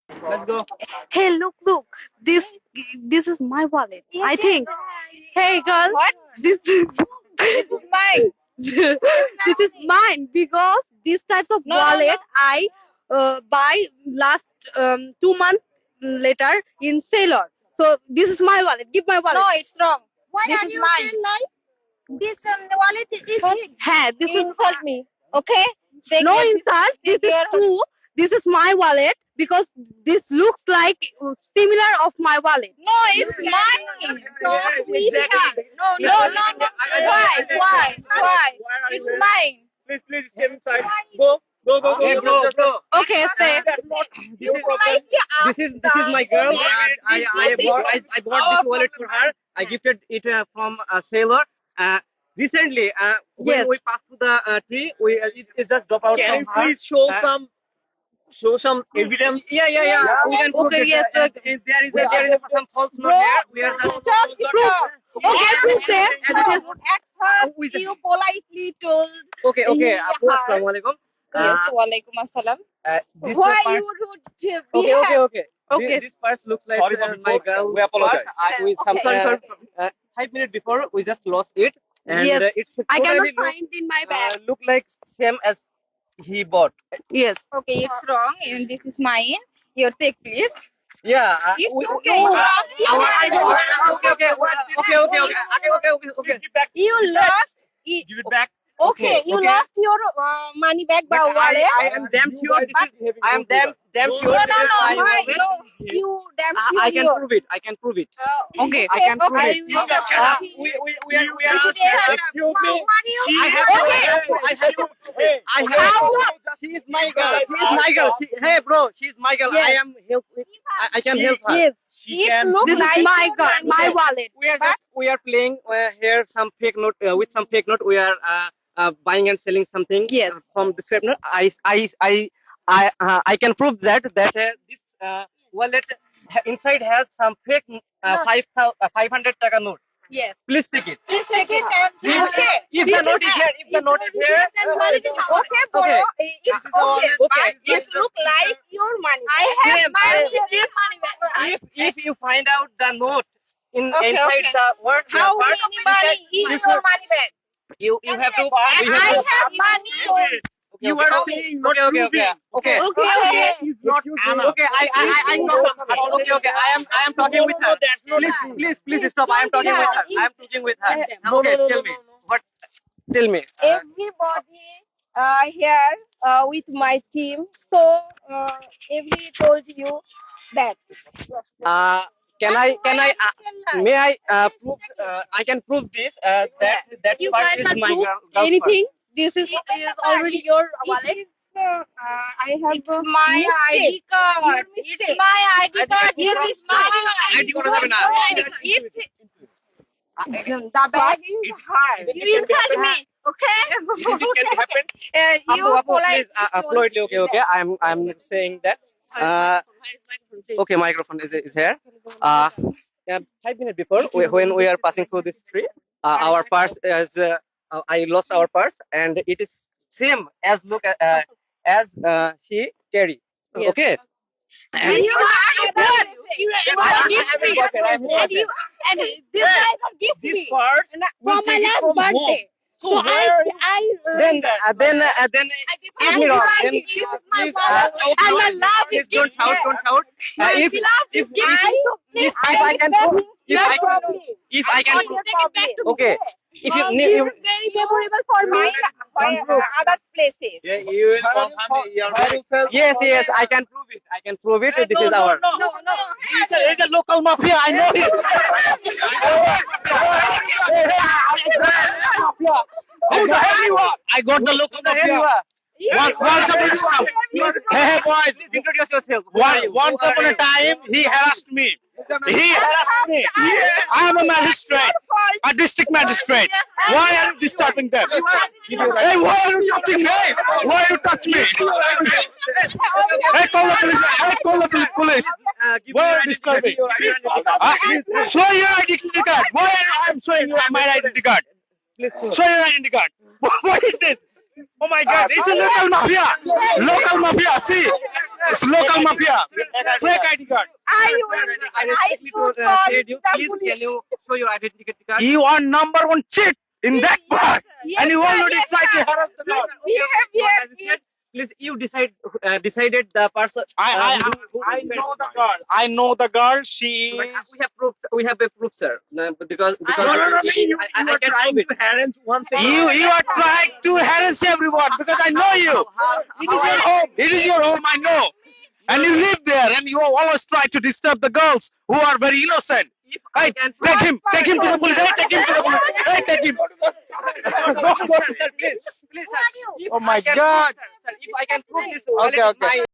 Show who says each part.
Speaker 1: Let's go.
Speaker 2: Hey, look. This is my wallet. I think. Hey, girl.
Speaker 3: What?
Speaker 2: This is
Speaker 3: This is mine.
Speaker 2: this is mine because these types of
Speaker 3: No,
Speaker 2: wallet I buy last 2 months later in Sailor. So this is my wallet. Give my wallet.
Speaker 3: No, it's wrong.
Speaker 4: Why
Speaker 3: This
Speaker 4: are
Speaker 3: is
Speaker 4: you
Speaker 3: mine.
Speaker 4: saying like this wallet is his?
Speaker 2: Hey, this
Speaker 3: You
Speaker 2: is
Speaker 3: insult me. Okay? Take
Speaker 2: no
Speaker 3: care.
Speaker 2: insults. This
Speaker 3: Take
Speaker 2: is
Speaker 3: care.
Speaker 2: true. This is my wallet because this looks like similar of my wallet.
Speaker 3: No, it's mine.
Speaker 4: Talk with her.
Speaker 3: No. Why? It's mine.
Speaker 1: Please step inside. Go.
Speaker 4: Hey,
Speaker 1: bro.
Speaker 3: Okay, say.
Speaker 1: This is my girl. I bought this wallet for her. I gifted it from a sailor. Recently, when
Speaker 2: Yes.
Speaker 1: we passed through the tree, it just dropped out.
Speaker 5: Can you
Speaker 1: from her.
Speaker 5: please show some evidence?
Speaker 1: Yeah. We can prove
Speaker 2: Okay,
Speaker 1: it.
Speaker 2: yes, okay.
Speaker 1: If there is some false note here. We are just
Speaker 3: Stop.
Speaker 2: Okay, please say.
Speaker 4: At first,
Speaker 1: we just-
Speaker 4: you politely told
Speaker 1: okay.
Speaker 4: Yeah.
Speaker 1: Assalamu alaikum.
Speaker 3: Yes, walaikum assalam.
Speaker 1: This
Speaker 4: why
Speaker 1: part,
Speaker 4: you would behave.
Speaker 1: okay.
Speaker 2: Okay.
Speaker 1: This part looks like
Speaker 5: Sorry for
Speaker 1: my
Speaker 5: before.
Speaker 1: girl.
Speaker 5: We apologize.
Speaker 2: Sorry.
Speaker 1: 5 minutes before we just lost it, and
Speaker 2: Yes.
Speaker 1: it's
Speaker 2: I
Speaker 1: totally
Speaker 2: cannot find in my bag.
Speaker 1: look like same as he bought.
Speaker 2: Yes.
Speaker 3: Okay, it's wrong. And this is mine. Your take, please.
Speaker 1: Yeah.
Speaker 3: It's
Speaker 1: we-
Speaker 3: okay.
Speaker 1: we-
Speaker 3: I
Speaker 1: okay.
Speaker 4: You lost.
Speaker 5: Give it back.
Speaker 4: Okay, you
Speaker 1: okay.
Speaker 4: lost your money back by
Speaker 1: But
Speaker 4: wallet.
Speaker 1: I am damn sure this is. I am damn sure
Speaker 4: No,
Speaker 1: this is my
Speaker 4: why?
Speaker 1: wallet.
Speaker 4: No, you damn sure.
Speaker 1: I can
Speaker 4: you-
Speaker 1: prove it. I can prove it.
Speaker 2: Okay.
Speaker 1: I can prove
Speaker 4: okay.
Speaker 1: it.
Speaker 4: You just
Speaker 1: Uh,
Speaker 4: shut
Speaker 1: we are
Speaker 5: Excuse me.
Speaker 1: I have she is my girl. She is my girl. Hey bro, she is my girl.
Speaker 2: Yes.
Speaker 1: I am help. I can help her.
Speaker 2: Yes.
Speaker 5: She can.
Speaker 2: This is my girl, my wallet.
Speaker 1: We are playing here some fake note with some fake note. We are buying and selling something
Speaker 2: Yes.
Speaker 1: from this fake note. I can prove that this wallet inside has some fake 500 taka note.
Speaker 2: Yes.
Speaker 1: Please take it.
Speaker 4: Please take it and okay.
Speaker 1: If the note is here,
Speaker 4: Then wallet is okay, bro.
Speaker 1: Okay.
Speaker 4: It's
Speaker 1: This is all-
Speaker 4: okay.
Speaker 1: okay.
Speaker 4: But it look like your money.
Speaker 3: I have
Speaker 1: Same,
Speaker 3: money.
Speaker 4: money back.
Speaker 1: if you find out the note
Speaker 3: Okay,
Speaker 1: inside
Speaker 3: okay.
Speaker 1: the word
Speaker 4: How
Speaker 1: part,
Speaker 4: many money is your money back?
Speaker 1: you have to
Speaker 4: And
Speaker 1: you
Speaker 4: I
Speaker 1: have to
Speaker 4: have money.
Speaker 5: You are saying not proving.
Speaker 1: okay.
Speaker 2: Okay.
Speaker 5: He's not Anna.
Speaker 1: Okay, I okay. I am talking with her.
Speaker 5: That's not
Speaker 1: Please stop. I am talking with her. I am talking with her. Okay, tell me. What? Tell me.
Speaker 4: Everybody here with my team. So every told you that.
Speaker 1: Can I may I prove I can prove this that
Speaker 2: You
Speaker 1: part
Speaker 2: guys
Speaker 1: is
Speaker 2: can
Speaker 1: my
Speaker 2: prove
Speaker 1: girl's
Speaker 2: anything. This is already your wallet.
Speaker 4: I have
Speaker 3: It's my ID card. It's my ID card.
Speaker 1: Here
Speaker 3: It's my
Speaker 1: ID card হবে না।
Speaker 3: It's
Speaker 4: the bag is hard.
Speaker 3: you insult me. Okay?
Speaker 5: Can happen.
Speaker 4: You
Speaker 1: Apu,
Speaker 4: polite.
Speaker 1: please, politely, okay. I'm saying that. Okay, microphone is here. Yeah, 5 minutes before, when we are passing through this tree, our purse is. I lost our purse, and it is same as as she carry.
Speaker 2: Yes.
Speaker 1: Okay.
Speaker 4: And you are
Speaker 1: And
Speaker 2: And this guy will give
Speaker 5: This
Speaker 2: me
Speaker 5: part
Speaker 2: from my last birthday.
Speaker 5: So
Speaker 2: So
Speaker 5: where
Speaker 1: then give me wrong. Then please,
Speaker 2: and my love
Speaker 1: please
Speaker 2: is
Speaker 1: don't shout.
Speaker 2: My
Speaker 1: If
Speaker 2: love is giving
Speaker 1: if I can prove, if I can prove, okay. If you
Speaker 4: this is very favorable for me. Other places.
Speaker 5: Yeah, you will confirm your
Speaker 1: yes, I can prove it. This is our.
Speaker 4: No.
Speaker 5: He's a local mafia. I know him. Who the hell you are? I got the local mafia. Once upon a time, hey boys,
Speaker 1: Please introduce yourself.
Speaker 5: once upon a time, he harassed me. I am a magistrate, a district magistrate. Why are you disturbing them? Hey, why are you touching me? Why are you touching me? Hey, call the police. Why are you disturbing? Show your identity card. Why I am showing you my identity card?
Speaker 1: Please show.
Speaker 5: Show your identity card. What is this? Oh my God! It's a local mafia. Local mafia. See, It's local mafia. Fake ID card.
Speaker 4: I
Speaker 1: Please,
Speaker 4: should call
Speaker 1: said you.
Speaker 4: the
Speaker 1: Please,
Speaker 4: police.
Speaker 1: can you show your identity card?
Speaker 5: You are number one cheat in that part.
Speaker 4: Yes,
Speaker 5: And you
Speaker 4: sir,
Speaker 5: already
Speaker 4: yes,
Speaker 5: tried to
Speaker 4: sir.
Speaker 5: harass the girl.
Speaker 4: Behavior.
Speaker 1: Please, you decided the person.
Speaker 5: I know the girl. I know the girl. She
Speaker 1: But
Speaker 5: is.
Speaker 1: we have proof. We have a proof, sir. Because
Speaker 5: No, you
Speaker 1: I
Speaker 5: are
Speaker 1: can
Speaker 5: trying
Speaker 1: prove
Speaker 5: to
Speaker 1: it.
Speaker 5: harass one thing. You are trying to harass everyone because I know you. It is your home. It is your home. I know. And you live there, and you always try to disturb the girls who are very innocent. Hey, take him to the police. Hey, take him to the police. Hey, take him. Go.
Speaker 1: Sir, please, sir.
Speaker 5: Oh my
Speaker 1: If I can
Speaker 5: God.
Speaker 1: Prove, sir, if I can prove this,
Speaker 5: Okay,
Speaker 1: wallet is
Speaker 5: okay.
Speaker 1: my